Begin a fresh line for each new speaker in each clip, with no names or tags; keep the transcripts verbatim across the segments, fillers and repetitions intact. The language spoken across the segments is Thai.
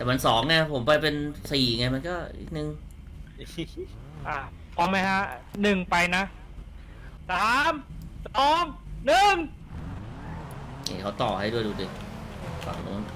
แต่มันสองไงผมไปเป็นสี่ไงมันก็อีกนึง
อ่ะพร้อมไหมฮะหนึ่งไปนะสามสองหนึ่ง
นี่เขาต่อให้ด้วยดูดิฝั่งนู้น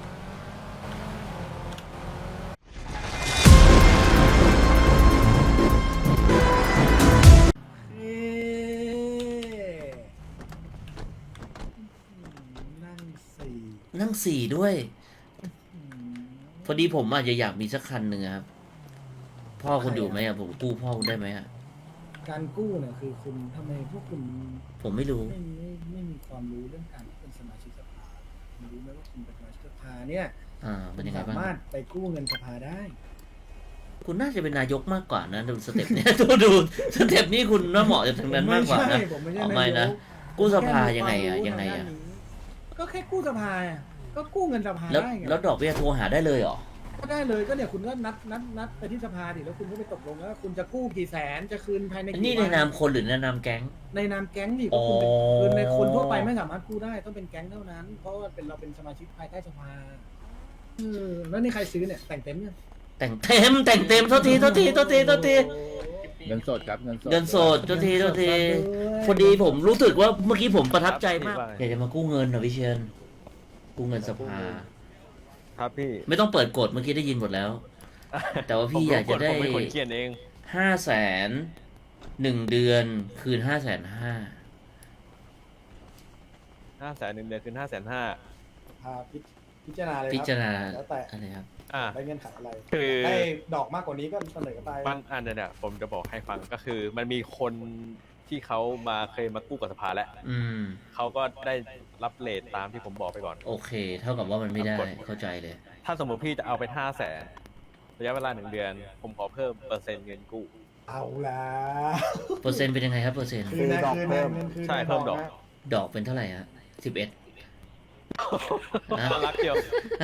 นั่งสี่
นั่งสี่ด้วยพอดีผมอาจจะอยากมีสักคันหนึ่งครับพ่อคุณอยู่ไหมอะผมกู้พ่อคุณได้ไหมอะ
การกู้เนี่ยคือคุณทำไมพวกคุณ
ผมไม่รู้
ไม่ไม่ไม่มีความรู้เรื่องการที่เป็นสมาชิกสภาคุณรู้ไหมว่าคุณเป็นสมาชิกสภาเนี่ย
อ่า
คุ
เป็น
ณ
ยังไง
สา
บ้าง
มารถไปกู้เงินสภาได้
คุณน่าจะเป็นนายกมากกว่านะดูสเต็ปเนี้ย ดูดูสเต็ปนี้คุณน่าเหมาะจะทางนั้นมากกว่านะ
ผมไม่ใช่
อ๋อ
ผม
ไม่
ไม่ใช่
นะ
นายก
กู้สภา
แค่มี
ยังไง
คว
อะ
มรู้
ยังไง
ทา
อะ
ด้านนี้ก็แค่กู้สภาอะก็กู้เงินสภา
แล้ว
ได้ไง
แล้วดอกเบี้ยโทรหาได้เลยเหรอ
ก็ได้เลยก็เนี่ยคุณก็นัดนัดนัดไปที่สภาดิแล้วคุณก็ไปตกลงแล้วว่าคุณจะกู้กี่แสนจะคืนภายใน
อัน
กี่
นี้ใน
วัน
นามคนหรือในนามแก๊ง
ในนามแก๊งดิก็คุณเป็น
อ๋อ
คือในคนทั่วไปไม่สามารถกู้ได้ต้องเป็นแก๊งเท่านั้น เพราะว่าเป็นเราเป็นสมาชิกภายใต้สภาเออแล้วนี่ใครซื้อเนี่ยแต่งเต็มเนี่ย
แต่งเต็มแต่งเต็มโทษทีโทษทีโทษทีโทษที
เงินสดครับเงินสด
เงินสดโทษทีโทษทีพอดีผมรู้สึกว่าเมื่อกี้ผมประทับใจมากอยากจะมากู้เงินเหรอพี่เชียนกู้เงินสภา
ครับพี่
ไม่ต้องเปิดกฎเมื่อกี้ได้ยินหมดแล้ว แต่ว่าพี่อยากจะได้
ผมเป็นคนเขียนเอง
ห้าแสนหนึ่งเดือนคืนห้าแสนห้า
ห้าแสนหนึ่งเดือนคืนห้าแสนห้า
พาพิพิจารณาเลย
พิ
ค
จาร
รับ
ณา
แล้วแต่
อะไรครับ
อ่า
ได้เงื่อนไขอะไร
คือ
ได้ดอกมากกว่านี้ก็เสนอไป
มันอันเนี้ยเนี่ยผมจะบอกให้ฟังก็คือ มันมีคนที่เขามาเคยมากู้กับสภาแล้ว
อืม
เขาก็ได้รับเลทตามที่ผมบอกไปก่อน
โอเค เท่ากับว่ามันไม่ได้
กฎ
เข้าใจเลย
ถ้าสมมติพี่จะเอาไปห้าแสนระยะเวลาหนึ่งเดือน ผมขอเพิ่มเปอร์เซ็นต์เงินกู้
เอาละ
เปอร์เซ็นต์เป็นยังไงครับเปอร์เซ็นต์
คืนนะคืนนะเงินคืน
ใช่เพิ่มดอก
นะ
ดอกเป็นเท่าไหร่ฮะสิบเอ็ด นะ
รักเดียว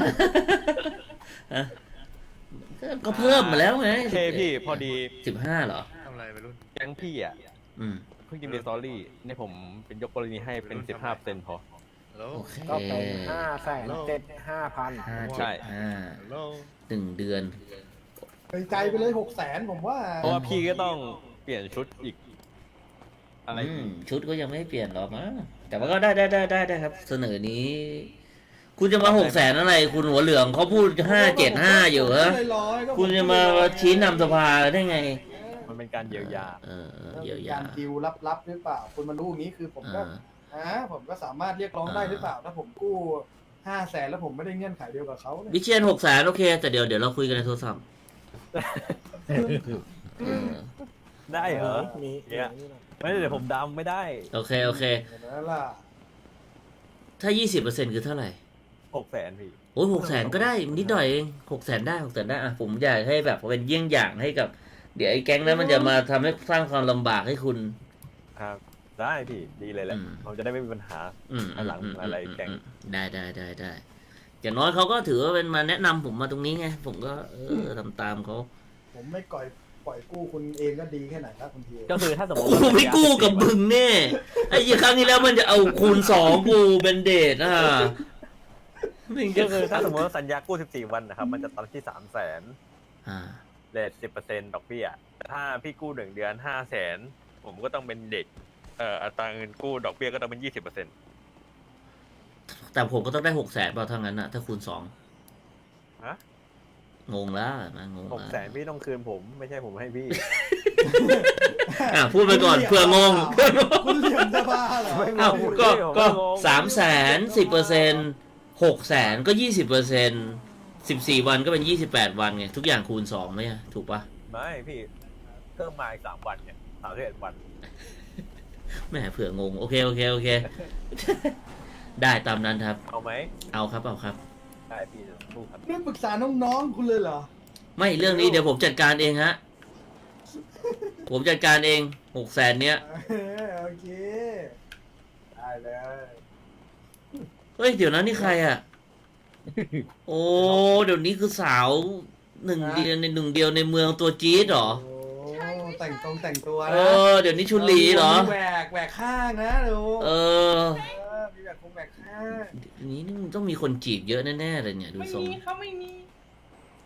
ก็เพิ่มมาแล้วไง
โอเคพี่พอดี
สิบห้าเหรอ
ทำอะไรไปรุ่น
แก๊งพี่อ่ะ
อืม
เพิ่งยินดีสตอรี่เนี่ยผมเป็นยกกรณีให้เป็นสิบห้าเปอร์เซ็นต์พอ
ฮัลโหล
โอเค
ก็เป็นห้าแสนเจ็ดห้าพัน
ห้า
ใช่
เจ็ดห้า
ฮัลโหล
หนึ่งเดือน
ในใจไปเลยหกแสนผมว่า
เพราะว่าพี่ก็ต้องเปลี่ยนชุดอีก อะไร
อื
อี
ม
ก
ชุดก็ยังไม่เปลี่ยนหรอกมั้งแต่ว่าก็ได้ได้ได้ได้ได้ครับ เสนอนี้ คุณจะมาหกแสนอะไร คุณหัวเหลืองเขาพูดห้าเจ็ดห้าอยู่เหรอ
ร้อยๆก็ผม
คุณจะมาชี้นำสภาได้ไง
มันเป็นการเยียวยา
เออเออ
เออ
เยียวยา
การดิวลับๆหรือเปล่า คุณมารู้อย่างนี้คือผมก็
อ่า
อ่าผมก็สามารถเรียกร้องได้
อ่า
หรือเปล่า ถ้าผมกู้ห้าแสนแล้วผมไม่ได้เงื่อนไขเดียวกับเขาเนี่ย
วิเชียนหกแสนโอเค แต่เดี๋ยวเดี๋ยวเราคุยกันในโทรศัพท์เออ
ได้เหรอ
มี
เนี่ย ไม่เดี๋ยวผมดำไม่ได้
โอเคโอเค
เห็นไหมล่ะ
ถ้ายี่สิบเปอร์เซ็นต์คือเท่าไหร่
หกแสนพี่
โอ้ยหกแสนก็ได้นิดหน่อยเองหกแสนได้หกแสนได้อะผมอยากให้แบบเป็นเยี่ยงอย่างให้กับ เดี๋ยวไอ้แก๊งนั้นมันจะมาทำให้สร้างความลำบากให้คุณ
ครับ ได้พี่ ดีเลยแหละ
อืม
ผมจะได้ไม่มีปัญหา
อืม
อันหลัง
ม
อะไร
ม
แก๊ง
อืมได้ได้ได้ได้อย่างน้อยเขาก็ถือว่าเป็นมาแนะนำผมมาตรงนี้ไง ผมก็เออทำตามเขา
ผมไม่ก่อยปล่อยกู้คุณเองก็ดีแค่ไหนครับคุณที
ก็คือถ้าสมมติ
กูไม่กู้กับมึงแน่ไอ้ยี่ครั้งที่แล้วมันจะเอาคูณสองกูเป็นเดทอ่ะมึง
ก็
จะ
คือถ้าสมมติว่าสัญญากู้สิบสี่วันนะครับ มันจะตัดที่สามแสน
อ่า
เลทสิบเปอร์เซ็นต์ดอกเบี้ยแต่ถ้าพี่กู้หนึ่งเดือนห้าแสนผมก็ต้องเป็นเด็ก เอ่ออัตราเงินกู้ดอกเบี้ยก็ต้องเป็นยี่สิบเปอร์เซ็นต์
แต่ผมก็ต้องได้หกแสนเปล่าทั้งนั้นอะถ้าคูณสอง
ฮะ
งงแล้วนะงง
หกแสนพี่ต้องคืนผม ไม่ใช่ผมให้พี่
อ่ะพูดไปก่อนเผื่องง
คุณเหลี่ยมจะบ้าเหรอ
ไม่
อ้าว
ผม
ก็
ผม
ก็
ไม่งง
สามแสนสิบเปอร์เซ็นต์หกแสนก็ยี่สิบเปอร์เซ็นต์สิบสี่วันก็เป็นยี่สิบแปดวันไงทุกอย่างคูณสองไหมอะถูกปะ
ไม่พี่เพิ่มมาอีกสามวันเนี่ยสามสิบเอ็ดวัน
แหมเผื่องงโอเคโอเคโอเค ได้ตามนั้นครับ
เอาไหม
เอาครับเอาครับ
ได้พี่จะสู้ครับ
ไม่ปรึกษาน้องๆคุณเลยเหรอ
ไม่เรื่องนี้เดี๋ยวผมจัดการเองฮะ ผมจัดการเองหกแสนเนี้ย
เออโอเค ได้เลย
เฮ้ยเดี๋ยวนั้นนี่ใครอ่ะ โอ้เดี๋ยวนี้คือสาวหนึ่งเดียวในหนึ่งเดียวในเมืองตัวจี๊ดเหรอ
โอ้แต่งตรงแต่งตัว
เอ
นะ
อเดี๋ยวนี้ชุนหลีเหรอ
มีแหวกแหวกข้างนะดู
เออ
เออมีแหวกคงแหวกข้าง
เดี๋ยวนี้นี่มันต้องมีคนจีบเยอะแน่ๆเลยเนี่ยดู
ไม่
ทรง
มีเขาไม่มี
จ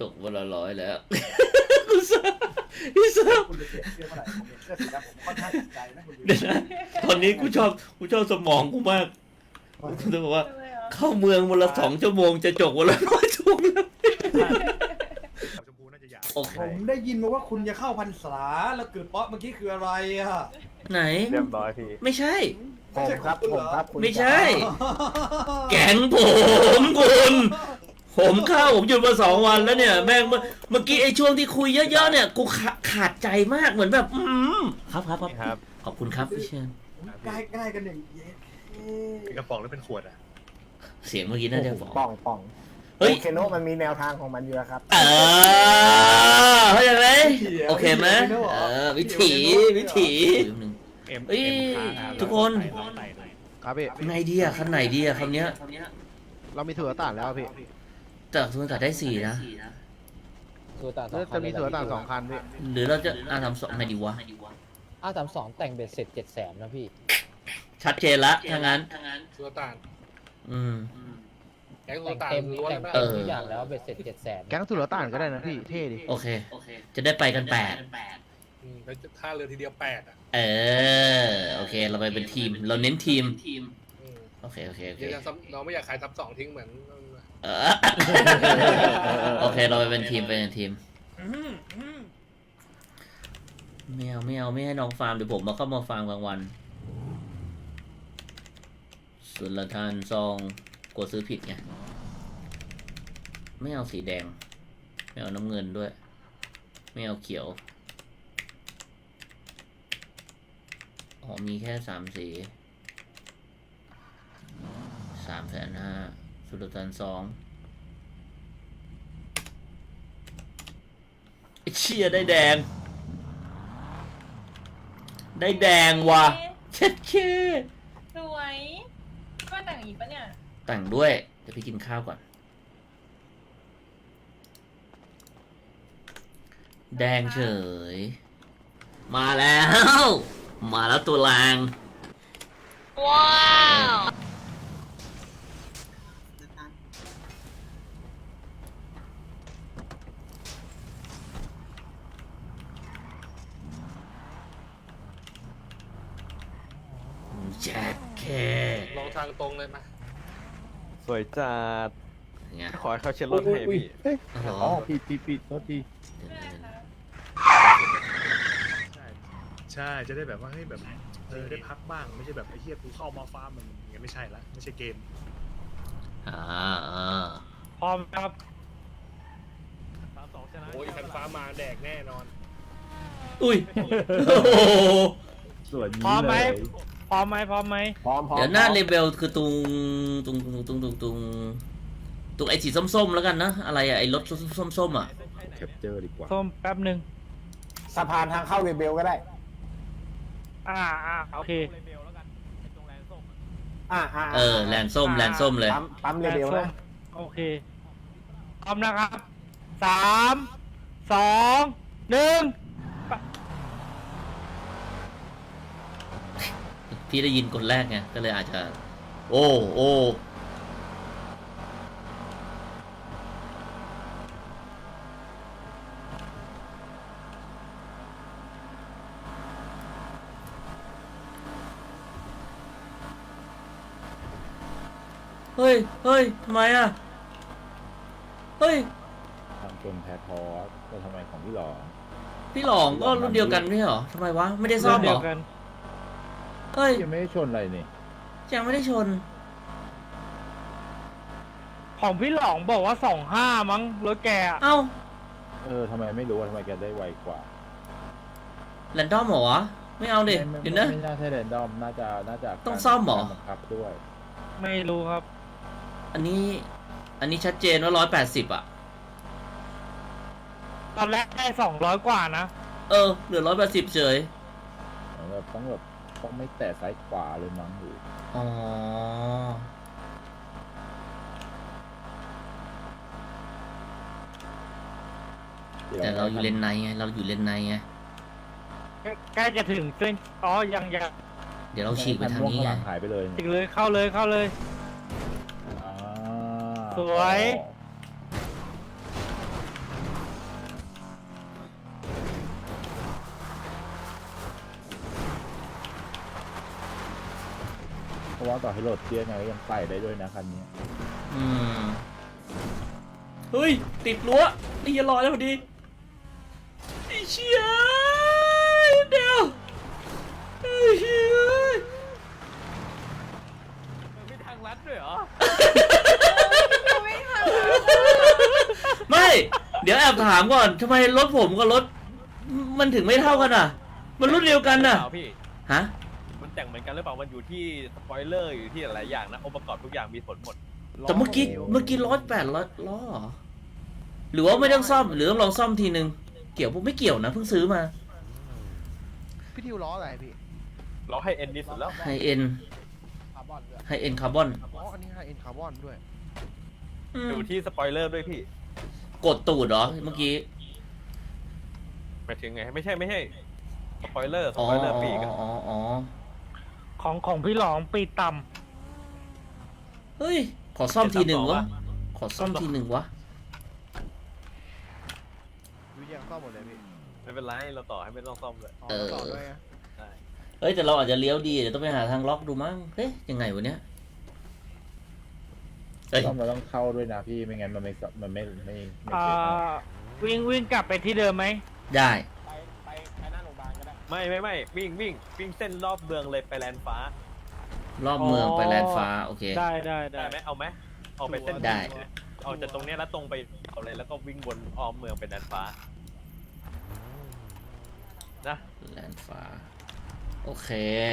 กวันละร้อยแล้วคุณเซิร์ฟพี่เซิร์ฟ
คุณจะเปลี่ยนเสื้อเมื่อไหร่ผมเห็นเสื้อสีดำผมค่อนข้างติดใจนะคุณดู
เดี๋ยวนะตอนนี้กูชอบกูชอบสมองกูมากกูจะบอกว่า เข้าเมืองวันละสองชั่วโมงจะจกวันละร้อยชั่วโมงแล้วโอเค
ผมได้ยินมาว่าคุณจะเข้าพรรษาแล้วเกิดเปาะเมื่อกี้คืออะไรอะ
ไหน
เรียบร้อยพี่
ไม่ใช่
ผมครับผมครับคุณ
ไม่ใช่ แก๊งผมคุณผมเข้าผมหยุดมาสองวันแล้วเนี่ย แม่งเมื่อเมื่อกี้ไอ้ช่วงที่คุยเยอะๆเนี่ยกูขาขาดใจมากเหมือนแบบ อืมครับครับครับ
ครับ
ขอบคุณครับพี่เชน
ใกล้ใกล้กันอย่างเย็ด
เป็นกระป๋องหรือเป็นขวดอ่ะ
เสียงเมื่อกี้น่าจะบอก
ป่องป่อง
เฮ้ย
โอเคโนะมันมีแนวทางของมันอยู่แล้วครับ
เออเข้าใจไหมโอเคไหมเออวิถีวิถี
เอ็ม
เอ้ย
เอ็มค้างะ
ทุกคน
ครับพี่
ไงดีอะคันไหนดีอะคำเนี้ย
เรามีถั่วต่างแล้วพี่
แต่ทุนตัดได้สี่นะ
ตัวต่างสอง
จะมีถั่วต่างสองคันพี่
หรือเราจะอ่าทำสองไงดีวะ
อ้าสามสองแต่งเบ็ดเสร็จเจ็ดแสนนะพี่
ชัดเจนละถ้างั้น
ตัวต่าง
อืม
แก๊งตั
แต่
ว
ง
ต่าง
เต็ม
ล้วน
แต่ง
นะ
เต็มทุกอย่างแล้วเบ็ดเสร็จเจ็ดแสน
แก๊งถั่วต่างก็ได้นะพี่ เท่ดิ
โอเค จะได้ไปกันแปด
อืมแล้วท่าเรือทีเดียวแปดอ่ะ
เออ โอเค เราไปเป็นทีม เราเน้นทีม
อืม
โอเค โอเค โอเค
เดี๋ยวจะซ้ำเราไม่อยากขายทับสองทิ้งเหมือน
เออโอเค เราไปเป็นทีม ไปเป็นทีมไม่เอาไม่เอาไม่ให้น้องฟาร์มเดี๋ยวผมมาเข้ามาฟาร์มกลางวัน ส่วนละทานซองกลัวซื้อผิดไง ไม่เอาสีแดง ไม่เอาน้ำเงินด้วย ไม่เอาเขียว อ๋อมีแค่สามสีสามแสนห้าสุดทันสองไอ้เชี่ยได้แดง ได้แดงว่ะเช็ดเช่
สวยก็แต่งอีกปะเนี่ย
แต่งด้วย เดี๋ยวพี่กินข้าวก่อน แดงเฉย มาแล้ว มาแล้วตัวแรง
ว้าว
แจ็คแค่
ลองทางตรงเลยมา
สวยจัด
ไง
ขอให้เขาเช็ดรถให้พี่
อ๋อ
อ๋อผิดผิดผิดโทษที
ใช่จะได้แบบว่าให้แบบเออได้พักบ้างไม่ใช่แบบไอ้เหี้ยกูเข้ามาฟาร์มมันอย่างเงี้ยไม่ใช่ละไม่ใช่เกม
อ่าอ่า
พร้อมครับ
โอ้ยคันฟ้ามาแดกแน่นอน
อุ้ยโอ้โห
ส่วน
พร้
นี้
อมไหม
เลย
พร้อมไหมพร้อมไหม
พร้อมพร้อม
เดี๋ยวหน้าเลเบลคือตุงตุงตุงตุงตุงตุงตุงไอ้สีส้มๆแล้วกันนะ อะไรอะไอ้รถส้มๆอ่ะ
แคปเจอร์ดีกว่า
ส้มแป๊บหนึ่ง
สะพานทางเข้าเรเบลก็ได้
อ่าอ่าโอเค
อ่าอ่า
เออแลนส้มแลนส้มเลย
ปั๊มปั๊มเรเบล
ส้
นะ
มโอเคพร้อมนะครับสามสองหนึ่ง
พี่ได้ยินคนแรกไง ก็เลยอาจจะ โอ้โอ้เฮ้ย เฮ้ย ทำไมอ่ะ เฮ้ย
ทำจนแพ้ทอสแต่ทำไมของพี่หลอ
พี่หลองก็รุ่นเดียวกันไม่ใช่เหรอทำไมวะ ไม่ได้ซ่อมเหร
เดีย
อ
วกัน
เฮ้ย
ยังไม่ได้ชนอะไรนี่
ยังไม่ได้ชน
ของพี่หลองบอกว่าสองห้ามั้งรถแกอะ
เอ้า
เออทำไมไม่รู้ว่าทำไมแกได้ไวกว่า
แรนดอมเหรอวะ ไม่เอาดิ
ไม่
เดี๋ยว
ไม่
นะ
ไม่น่าใช่แรนดอมน่าจะน่าจะ
ต้องซ่อมเหรอ
การบังคับด้วย
ไม่รู้ครับ
อันนี้ อันนี้ชัดเจนว่าร้อยแปดสิบอ่ะ
ตอนแรกได้สองร้อยกว่านะ
เออ เหลือร้อยแปดสิบเฉย
เหมือนแบบต้องแบบต้องไม่แตะซ้ายขวาเลยมั้งหรือ
อ๋อ แต่เราอยู่เลนในไง เราอยู่เลนในไง
ใกล้จะถึงเส้นอ๋อยังยัง
เดี๋ยวเราฉีกไปทางนี้
คัม่ว
ไง
ข้างหลังหายไปเลย
ถึงเลยเข้าเลยเข้าเลย
อ่า
สวย
อราะว่าต่อให้โหลดเตี้ยไงก็ยังใส่ได้ด้วยนะคันนี้
อืมเฮ้ยติดรั้วนี่อย่ารอแล้วพอดีไอ้เชี่ยเดี๋ยวไอ้เชี่ย
มันมีทางลัดด้วยเหรอ
ไม่ทัน
ไม่ เดี๋ยวแอบถามก่อนทำไมรถผมกับรถมันถึงไม่เท่ากันอ่ะ มันรุ่นเดียวกันน่ะ
เปล่าพี่
ฮะ
มันแต่งเหมือนกันหรือเปล่า มันอยู่ที่สปอยเลอร์อยู่ที่หลายอย่างนะ องค์ประกอบทุกอย่างมีผลหมด
แต่เมื่อกี้เมื่อกี้ร้อยแปดร้อยล้อเหรอหรือว่าไม่ต้องซ่อมหรือต้องลองซ่อมทีนึงเกี่ยวพวกไม่เกี่ยวนะเพิ่งซื้อมา
พี่ทิวล้ออะไรพี่
เราให้เอ็นดีสุดแล้ว
ไฮเอ็น
คาร์บอนด้วย
ไฮเอ็นคาร์บอน
อ๋ออันนี้ไฮเอ็นคาร์บอนด้วย
อยู่ที่สปอยเลอร์ด้วยพี่
กดตูดเหรอเมื่อกี้
หมายถึงไง ไม่ใช่ไม่ใช่ สปอยเลอร์ ส
อ๋อ
ปอยเลอ
อ๋
ร์ปีก
ออ๋ออ๋อ
ของของพี่หลองปีต่
เฮ้ยขอซ่อมทีหนึ่งวะขอซ่อมทีหนึ่งวะ
วิทยาซ่อมหมดเลยพี่
ไม่เป็นไร เราต่อให้ไม่ต้องซ่อมเลย
อ๋อต่อด้วยไง
ใช่
เฮ้ยแต่เราอาจจะเลี้ยวดีเดี๋ยวต้องไปหาทางล็อกดูมั้งเฮ้ยยังไงวะเนี้ยเฮ้ย
ต้องเราต้องเข้าด้วยนะพี่ไม่งั้นมันไม่มันไม่ไม่ไม่
ำ
ไม่
อ่า
เก็ตนะ
วิ่งวิ่งกลับไปที่เดิมไหม
ได้
ไปไปไปหน้าโรงพยาบาลก็ได้
ไม่ไม่ไม่วิ่งวิ่งวิ่งเส้นรอบเมืองเลยไปแลนด์ฟ้าร
อบเมืองไปแลนด์ฟ้าโอเค
ได้ได้ได้
ได้ไหมเอาไหมเอาไปเส้น
ได้
เอาจากตรงเนี้ยแล้วตรงไปเอาเลยแล้วก็วิ่งวนอ้อมเมืองไปแลนด์ฟ้า นะ
แลนด์ฟ้าโอเค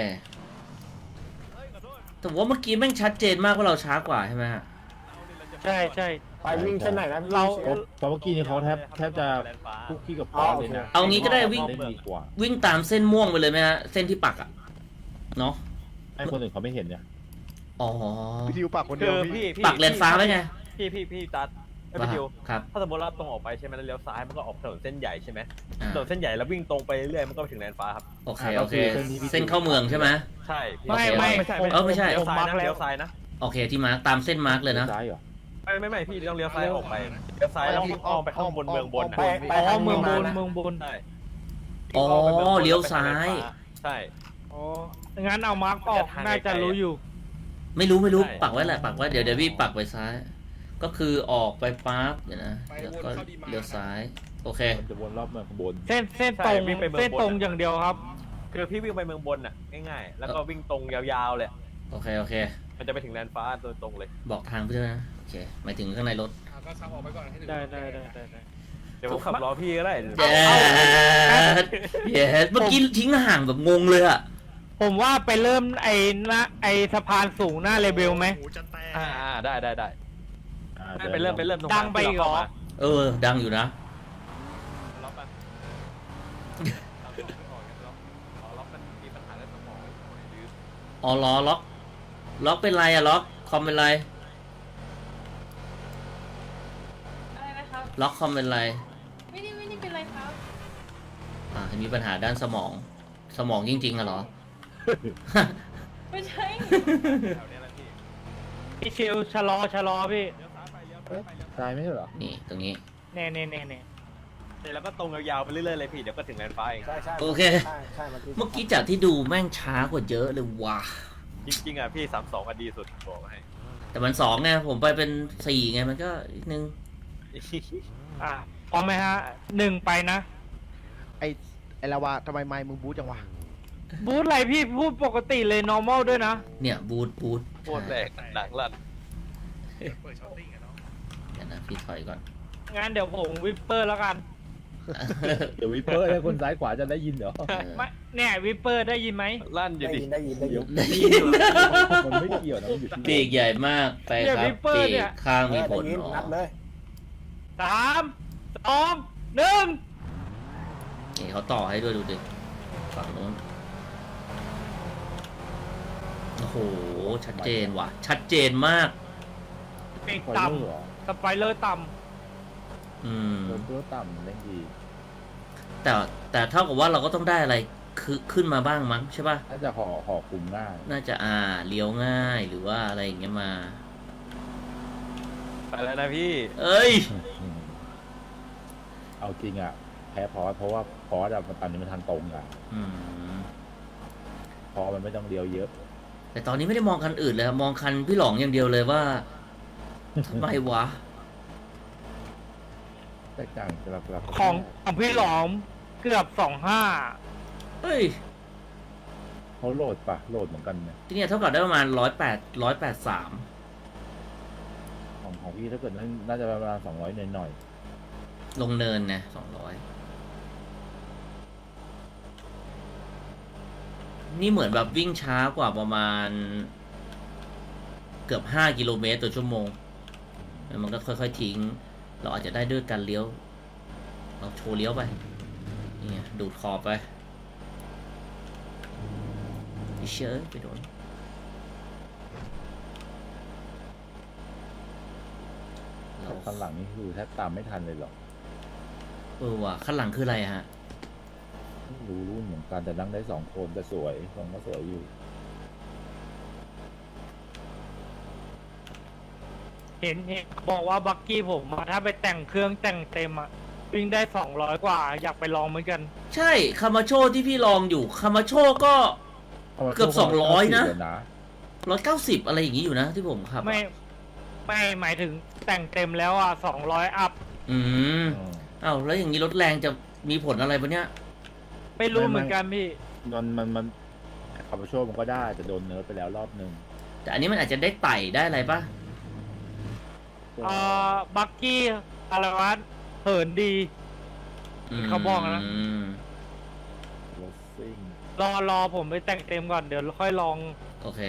แต่ว่าเมื่อกี้แม่งชัดเจนมากว่าเราช้ากว่าใช่ไหมฮะ
ใช่ใช่
ไปวิ่งเส้นไหนนะพี่
เรา
เพราะเพราะเมื่อกี้นี่เขาแทบแทบจะ
แลนด์ฟ้า
คุกกี้กับป๊อปเลยนะ
เอางี้ก็ได้วิ่ง
เล่นดีกว่า
วิ่งตามเส้นม่วงไปเลยไหมฮะเส้นที่ปักอะเนาะ
ให้คนอื่นเขาไม่เห็นเนี่ย
อ๋อ
พี่ทิวปากคนเดี
คื
ยว
อ
พี่
พี่พี่
ปักแลนด์ฟ้าไว้ไง
พี่พี่พี่ตัดไอ้
ว่า
พี่ดิว
ครับ
ถ้าสมมติเราตรงออกไปใช่ไหมแล้วเลี้ยวซ้ายมันก็ออกถนนเส้นใหญ่ใช่ไหม
อ่า
ถนนเส้นใหญ่แล้ววิ่งตรงไปเรื่อยมันก็ไปถึงแลนด์ฟ้าครับ
โอเคโอเคเส้นเข้าเมืองใช่ไหม
ใช่พี่
ไม่ไม่
ไม่ใช่
เออไม่ใช่
เลี้ยวซ้ายนะ
ผมมาร์คแล้ว
เลี้ยวซ้ายนะ
โอเคที่มาร์คตามเส้นมาร์คเลยนะ
ซ้ายเหรอ
ไม่ไม่ไม่พี่ต้องเลี้ยวซ้ายออกไปเลี้ยวซ้ายแล้วอ้อมไปข้างบนเมืองบนนะ
ไปไป
อ๋อ
ทาง
เมืองบน
นะ
เมืองบน
ใช่
อ๋อ
อ้มไปมืงบน
เลี้ยวซ้าย
ใช่
อ๋องั้นเอามาร์กออกน่าจะรู้อยู่
ไม่รู้ไม่รู้
ใช่
ปักไว้แหละปักไว้เดี๋ยวเดี๋ยวพี่ปักไปซ้าย ก็คือออกไปปั๊บเดี๋ยวนะแล้วก็เลี้ยวซ้ายโอเค
มันจะวนรอบเมืองข้างบน
เส้นเส้นตรงเส้นตรงอย่างเดียวครับ
คือพี่วิ่งไปเมืองบนน่ะง่ายๆแล้วก็วิ่งตรงยาวๆเลย
โอเคโอเค
มันจะไปถึงแลนด์ฟ้าโดยตรงเลย
บอกทางเพื่อนนะโอเคหมายถึงข้างในรถ
ได้ได้ได้ได้ได้
เดี๋ยวผมขับรอพี่ก็ได้
เย้เย้เมื่อกี้ทิ้งห่างแบบงงเลยอะ
ผมว่าไปเริ่มไอ้หน้าไอ้สะพานสูงหน้าเลเบลไหม
หูจะแตก
อ่าอ่าได้ได้ได้
อ่า
ไม่ไปเริ่มไปเริ่มตรง
ดังไปอีกเหรอ
เออดังอยู่นะ
ล็อกปะล็อกมันมีปัญหาเรื่องสมองหรือ
อ๋อล้อล็อกล็อกเป็นไรอะล็อกคอมเป็นไร
อะไรนะครับ
ล็อกคอมเป็นไร
ไม่ได้ไม่ได้เป็นไรครับ
อ่ามีปัญหาด้านสมอง สมองจริงๆอะเหรอ
ไม่ใช่
แถวเนี้ยแหละพี่
พี่ชิวชะลอชะลอพี่
เลี้ยวซ้ายไปเลี้ยวซ้ายไปเลี้ยว
ซ้ายไม่ใช่เหรอ
นี่ตรงนี้
เน่เน่เน่เน่
ซ้ายแล้วก็ตรงยาวๆไปเรื่อยๆเลยพี่เดี๋ยวก็ถึงแลนด์ฟ้าเอง
ใช่ใช่
โอเค
ใช่ใช่เมื่อกี้
เมื่อกี้จากที่ดูแม่งช้ากว่าเยอะเลยว่ะ
จริงๆอ่ะพี่สามสองอ่ะดีสุดบอกให้
แต่มันสองไงผมไปเป็นสี่ไงมันก็อีกนึง
อ่ะพร้อมไหมฮะหนึ่งไปนะ
ไอไอลาวาทำไมไมค์มึงบู๊จังวะ
บูธอะไรพี่พูดปกติเลย normal ด้วยนะ
เนี่ยบูทบูท
โคตรแรกดังลั่น
เปิดช้อตติ้งอะเนาะ
เดี๋ยวนะพี่ถอยก่อน
งั้นเดี๋ยวผมวิปเปอร์แล้วกัน
เดี๋ยววิปเปอร์ให้คนซ้ายขวาจะได้ยินเหรอ
ไม่เนี่ยวิปเปอร์ได้ยินไหม
ลั่นอยู่
ได้
ดิ
ยินได้ยินได้ยิน
ได้ยิน
มันไม่เกี่ยวนะมันอยู่ที่
ปีกใหญ่มากไปครับปีกข้าง
เอ
มี
อ
ผ
ได้
ล
ยิน
อ๋อ
นับเลย
สามสองหนึ่ง
นี่เขาต่อให้ด้วยดูดิฝั่งนู้นโอ้โหชัดเจนว่ะ ชัดเจนมาก
ปีก
คอย
ต่
เลื่อนเหรอ
ำสไปเลอร์ต่
อืม
โดนตัวต่ำเล่นดี
แต่แต่เท่ากับว่าเราก็ต้องได้อะไรคือขึ้นมาบ้างมั้งใช่ป่ะ
น่าจะห่อห่อคุมง่าย
น่าจะอ่าเลี้ยวง่ายหรือว่าอะไรอย่างเงี้ยมา
ไปแล้วนะพี่
เอ้ย
อืมเอาจริงอ่ะ แพ้พอสเพราะว่าพอสอะมันตอนนี้มันทางตรงอ่ะ
อืม
พอมันไม่ต้องเลี้ยวเยอะ
อแต่ตอนนี้ไม่ได้มองคันอื่นเลยครับมองคันพี่หลองอย่างเดียวเลยว่าทำไมวะ
แตกต่างจากหลักๆ
ของของพี่หลอมเกือบสองห้า
เฮ้ย
เขาโหลดปะโหลดเหมือนกันเนี่ย
ที่เนี่ยเท่ากับได้ประมาณร้อยแปดร้อยแปดสาม
ของของพี่ถ้าเกิดน่าน่าจะประมาณสองร้อยหน่อย
ลงเนินนะสองร้อยนี่เหมือนแบบวิ่งช้ากว่าประมาณ เกือบห้ากิโลเมตรต่อชั่วโมงแล้วมันก็ค่อยๆทิ้ง เราอาจจะได้ด้วยการเลี้ยว เราโชว์เลี้ยวไปนี่ไงดูดขอบไปเชื่อไปโดน
ๆแต่คันหลังนี่คือแทบตามไม่ทันเลยหรอก
เออว่ะข้างหลังคืออะไรฮะ
รู้รุ่นเหมือนกันแต่นั่งได้สองคนแต่สวยทรงก็สวยอยู่
เห็นเห็นบอกว่าบักกี้ผมอะถ้าไปแต่งเครื่องแต่งเต็มอะวิ่งได้สองร้อยกว่า อยากไปลองเหมือนกัน
ใช่คามาโชที่พี่ลองอยู่คามาโชก็ เกือบสองร้อยนะ ร้อยเก้าสิบอะไรอย่างนี้อยู่นะที่ผมขับอะ
ไม่ไม่หมายถึงแต่งเต็มแล้วอ่ะสองร้อยอัพ
อืม
อืม
อ้าวแล้วอย่างนี้รถแรงจะมีผลอะไรปะเนี่ย
ไม่รู้
ไม่
เหมือนกันพี่
มันมันมันขับไปโชว์มันก็ได้แต่โดนเนิร์ฟไปแล้วรอบนึง
แต่อันนี้มันอาจจะได้ไต่ได้อะไรปะ
เอ่อบักกี้อะไรวะเหินดี เขาบอกนะ
ม
รถซิ่ง
รอรอผมไปแต่งเต็มก่อนเดี๋ยวค่อยลอง
โอเค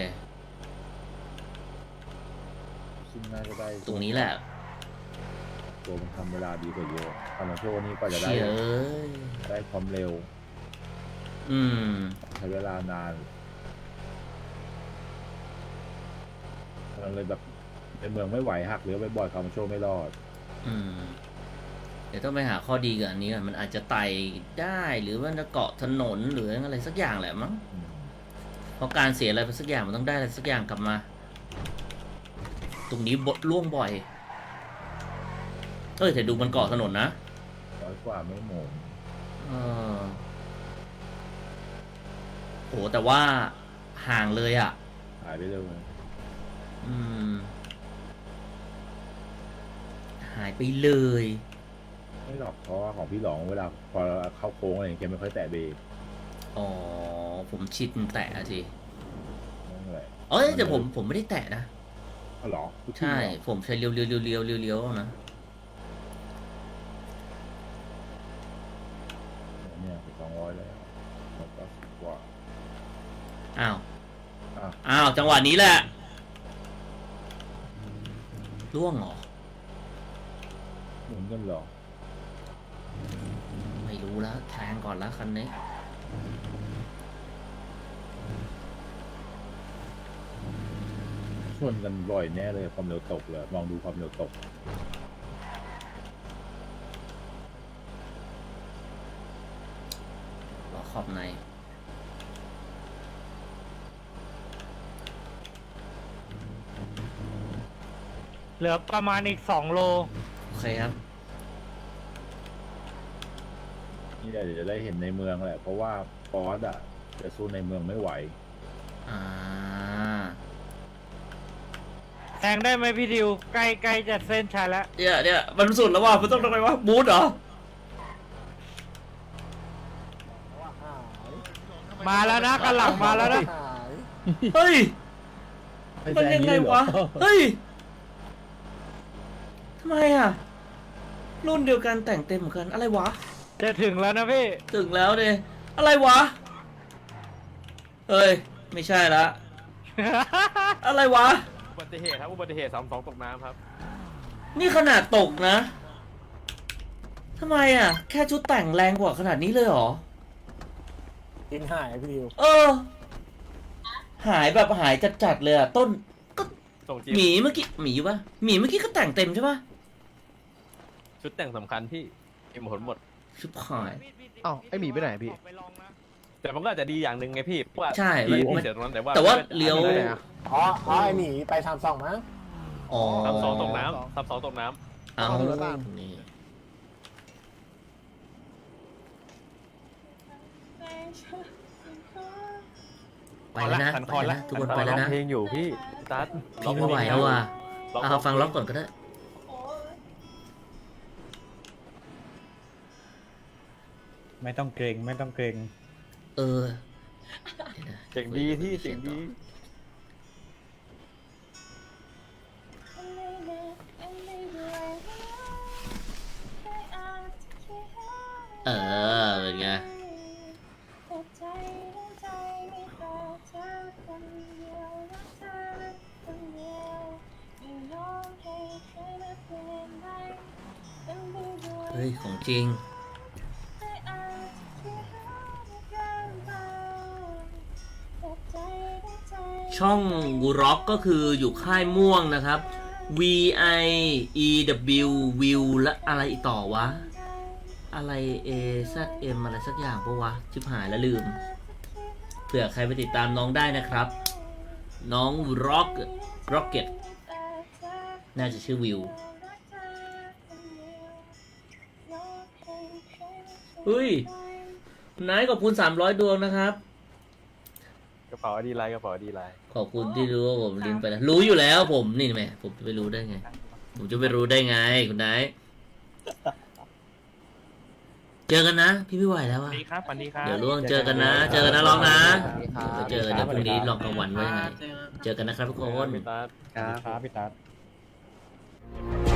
ซึ่งน่าจะได้
ตรงนี้แหละ
ตัวมันทำเวลาดีกว่าเยอะคามาโชนี่ก็จะได้
เชี่ยเอ้ย
ได้ความเร็ว
อืม
ใช้เวลานานมันเลยแบบในเมืองไม่ไหวหักเลี้ยวไปบ่อยคามาโชไม่รอด
อืม เดี๋ยวต้องไปหาข้อดีกับอันนี้ก่อนมันอาจจะไต่ได้หรือว่าจะเกาะถนนหรืออะไรสักอย่างแหละมั้ง
อืม
เพราะการเสียอะไรไปสักอย่างมันต้องได้อะไรสักอย่างกลับมา ตรงนี้บดล่วงบ่อย เอ้ยแต่ดูมันเกาะถนนนะ
ร้อยกว่าไม่หมง
เออโหแต่ว่าห่างเลยอ่ะ
หายไปเลย
อืม หายไปเลย
ไม่หรอกเพราะว่าของพี่หลองเวลาพอเข้าโค้งอะไรอย่างเงี้ยไม่ค่อยแตะเบรก
อ๋อ ผมชิดแตะอะที
นั่นแหละ
เอ้ยแต่ผมผมไม่ได้แตะนะ
อ๋อเหรอ
ใช่ ผมใช้เลี้ยวเลี้ยวเลี้ยวเลี้ยวเลี้ยวเลี้ยวนะ
เนี่ยสองร้อยแล้วแล้วก็สิบกว่า
อ้าว
อ้าว
อ้าว จังหวะนี้แหละล่วงเหรอ
หมุนกันเหรอ
ไม่รู้แล้วแทงก่อนแล้วคันนี้
ชนกันบ่อยแน่เลยความเร็วตกเลยมองดูความเร็วตก
ล้อขอบใน
เหลือประมาณอีกสองโล
โอเคครับ
นี่แหละเดี๋ยวจะได้เห็นในเมืองแหละ เพราะว่าฟอสอ่ะจะสู้ในเมืองไม่ไหว
อ่า
แทงได้ไหมพี่ดิว ใกล้ใกล้จะเส้นชัยแล้ว
เนี่ยเนี่ยมันสุดแล้วว่ะมันต้องทำไมวะบูทเหรอ
มาแล้วนะกันหลังมาแล้วนะ
เฮ้ย มันยังไงวะ เฮ้ย ทำไมอ่ะ รุ่นเดียวกันแต่งเต็มเหมือนกัน อะไรวะ
จะถึงแล้วนะพี่
ถึงแล้วเนี่ยอะไรวะ เฮ้ย ไม่ใช่ละ อะไรวะ
อุบัติเหตุครับอุบัติเหตุสามสองตกน้ำครับ
นี่ขนาดตกนะทำไมอ่ะ แค่ชุดแต่งแรงกว่าขนาดนี้เลยเหรอ
กินหายพี่ดิว
เออ หายแบบหายจัดๆเลยอ่ะ ต้นก็
ส่งจี
หมีเมื่อกี้หมีปะหมีเมื่อกี้ก็แต่งเต็มใช่ปะ
ชุดแต่งสำคัญที่มีผลหมด
ชุบหาย
อ้าวไอหมีไปไหนพี่
แต่มันก็อาจจะดีอย่างหนึ่งไงพี่เพราะว่า
ใช่
พี่
มัน
เสียตรงนั้นแต่ว่า
แต่ว่าเลี้ยว
ไปไหนอะ
อ๋ออ๋อไอหมีไปทำสองมั้ง
อ๋อ
สามสองตกน้ำสามสองตกน้ำ
เอา
เอาดูแล้วกัน
นี่
ใจฉันก็
ไปแล้วนะ
สัน
ไป
คอ
แล้ว
ละ
นะทุกคนไปแล้วนะ
เพลงอยู่พี่ตัด
พี่ไม่ไหวแล้วว่ะเอาฟังล็อกก่อนก็ได้
โอ้ย
ไม่ต้องเกรงไม่ต้องเกรง
เออเดี๋ยวนะ
เจ๋งดีที่เจ๋งดี
เออเป็นไงเฮ้ยของจริง ช่องร็อกก็คืออยู่ค่ายม่วงนะครับ V I E W วิวและอะไรอีกต่อวะ อะไร A Z M อะไรสักอย่างปะวะ ชิบหายแล้วลืม เผื่อใครไปติดตามน้องได้นะครับ น้องร็อกร็อกเก็ตน่าจะชื่อวิวเฮ้ยนายขอบคุณสามร้อยดวงนะครับ
กระเป๋าดีไลน์กระเป๋าดีไลน์
ขอบคุณที่รู้ว่าผมลิงก์ไปแล้วรู้อยู่แล้วผมนี่แม่ผมจะไปรู้ได้ไง ผมจะไปรู้ได้ไงคุณนายเจอกันนะ พี่ไม่ไหวแล้ว
สวั
อะ
สดีครับสวัสดีครับ
เดี๋ยวล่วงเจอกันนะ เจอกันนะลองนะ
สวัสดีครับ
เดี๋ยวเจอกันเดี๋ยวพรุ่งนี้ลองกลางวันว่ายังไงเจอกันนะครับทุกคน
พี่ตัด
ครับพี่ตัด